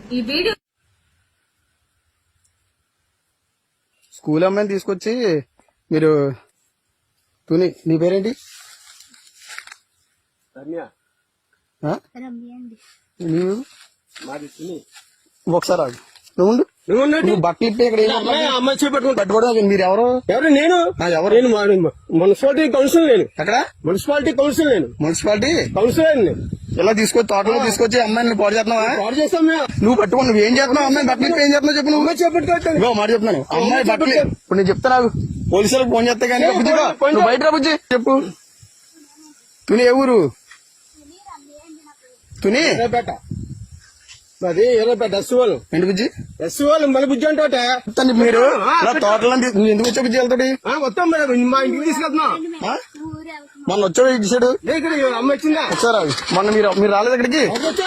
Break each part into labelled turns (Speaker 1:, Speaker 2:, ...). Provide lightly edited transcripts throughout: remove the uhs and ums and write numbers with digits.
Speaker 1: ఈ video
Speaker 2: school అమ్మాయిని తీసుకొచ్చి మీరు తుని నీ పేరేంటి? నీవు ఒకసారి ఆగు. నువ్వు బట్టలు ఇప్పి ఇక్కడ పట్టుకోవడం మీరు ఎవరు?
Speaker 3: నేను మున్సిపాలిటీ కౌన్సిల్. నేను ఎక్కడ? Municipality council. నేను మున్సిపాలిటీ కౌన్సిల్.
Speaker 2: ఇలా తీసుకొచ్చి తోటలో తీసుకొచ్చి అమ్మాయిని పాడు చేస్తున్నావా?
Speaker 3: పాడు చేస్తాం.
Speaker 2: నువ్వు పట్టుకో. నువ్వు ఏం చేస్తున్నావు? అమ్మాయి బట్టలు ఇప్పి ఏం చేస్తున్నావు చెప్పు. నువ్వు
Speaker 3: చేపట్టుకో
Speaker 2: మాట చెప్తున్నాను. అమ్మాయి బట్టలు ఇప్పుడు నేను చెప్తాను. పోలీసులకు ఫోన్ చేస్తే కానీ నువ్వు బయట రా బుజ్జి. చెప్పు. తుని ఏ ఊరు? తుని
Speaker 3: అది ఎర్రపేట ఎస్వాళ్ళు.
Speaker 2: ఏంటి బుజ్జి?
Speaker 3: ఎస్వాళ్ళు మళ్ళీ బుజ్జి అంటే
Speaker 2: మీరు తోటలో నువ్వు ఎందుకు వచ్చా బుజ్జి వెళ్తాడు?
Speaker 3: వస్తాం మేడం, మా ఇంటికి తీసుకెళ్తున్నాం.
Speaker 2: మొన్న వచ్చాడు ఇచ్చాడు.
Speaker 3: అమ్మ వచ్చిందా?
Speaker 2: వచ్చారా? మొన్న మీరు రాలేదు ఇక్కడికి?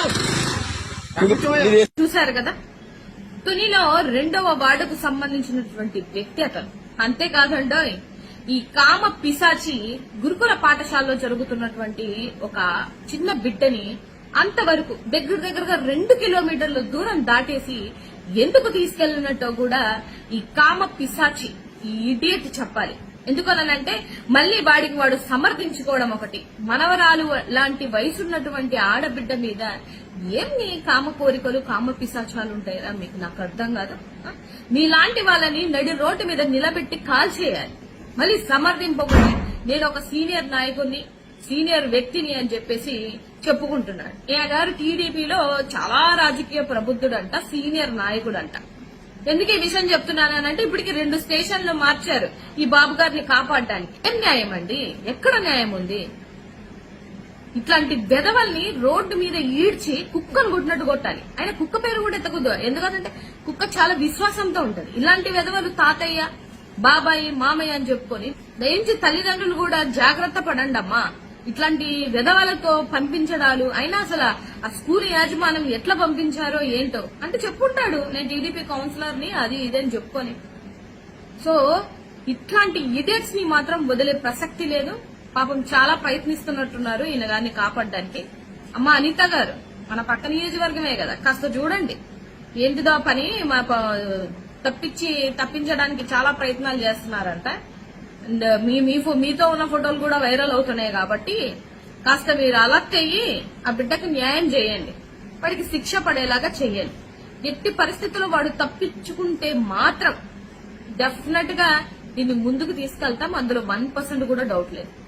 Speaker 1: చూశారు కదా, తునిలో 2వ వార్డుకు సంబంధించినటువంటి వ్యక్తి అతను. అంతేకాదండోయ్, ఈ కామ పిశాచి గురుకుల పాఠశాలలో జరుగుతున్నటువంటి ఒక చిన్న బిడ్డని అంతవరకు దగ్గరగా 2 కిలోమీటర్ల దూరం దాటేసి ఎందుకు తీసుకెళ్లినట్టో కూడా ఈ కామ పిశాచి, ఈ ఇడియట్ చెప్పాలి. ఎందుకనంటే మళ్లీ వాడికి వాడు సమర్థించుకోవడం ఒకటి. మనవరాలు లాంటి వయసున్నటువంటి ఆడబిడ్డ మీద ఏమి కామ కోరికలు, కామ పిశాచాలు ఉంటాయా మీకు? నాకు అర్థం కాదు. మీలాంటి వాళ్ళని నడి రోడ్డు మీద నిలబెట్టి కాల్ చేయాలి. మళ్ళీ సమర్థింపబడి నేను ఒక సీనియర్ నాయకుడిని, సీనియర్ వ్యక్తిని అని చెప్పేసి చెప్పుకుంటున్నాడు. ఈయన గారు టీడీపీలో చాలా రాజకీయ ప్రబుద్ధుడంట, సీనియర్ నాయకుడంట. ఎందుకు ఈ విషయం చెప్తున్నానంటే ఇప్పటికి 2 స్టేషన్లు మార్చారు ఈ బాబు గారిని కాపాడడానికి. ఏం న్యాయం అండి? ఎక్కడ న్యాయం ఉంది? ఇట్లాంటి వెధవల్ని రోడ్డు మీద ఈడ్చి కుక్కను కొట్టినట్టు కొట్టాలి. ఆయన కుక్క పేరు కూడా ఎత్తకూడదు. ఎందుకంటే కుక్క చాలా విశ్వాసంతో ఉంటది. ఇలాంటి వెధవలు తాతయ్య, బాబాయ్, మామయ్య అని చెప్పుకొని దయించి తల్లిదండ్రులు కూడా జాగ్రత్త పడండి అమ్మా. ఇట్లాంటి విధవలతో పంపించడాలు. అయినా అసలు ఆ స్కూల్ యాజమాన్యం ఎట్లా పంపించారో ఏంటో అంటే చెప్పుకుంటాడు, నేను టీడీపీ కౌన్సిలర్ ని అది ఇదని చెప్పుకొని. సో ఇట్లాంటి ఇడియట్స్ ని మాత్రం వదిలే ప్రసక్తి లేదు. పాపం చాలా ప్రయత్నిస్తున్నట్టున్నారు ఈయన గారిని కాపాడడానికి. అమ్మ అనిత గారు, మన పక్క నియోజకవర్గమే కదా, కాస్త చూడండి ఏంటిదో పని. మా తప్పించడానికి చాలా ప్రయత్నాలు చేస్తున్నారంట. అండ్ మీతో ఉన్న ఫోటోలు కూడా వైరల్ అవుతున్నాయి కాబట్టి కాస్త మీరు అలర్ట్ అయ్యి ఆ బిడ్డకు న్యాయం చేయండి, వాడికి శిక్ష పడేలాగా చెయ్యండి. ఎట్టి పరిస్థితుల్లో వాడు తప్పించుకుంటే మాత్రం డెఫినెట్ గా దీన్ని ముందుకు తీసుకెళ్తాం, అందులో 1% కూడా డౌట్ లేదు.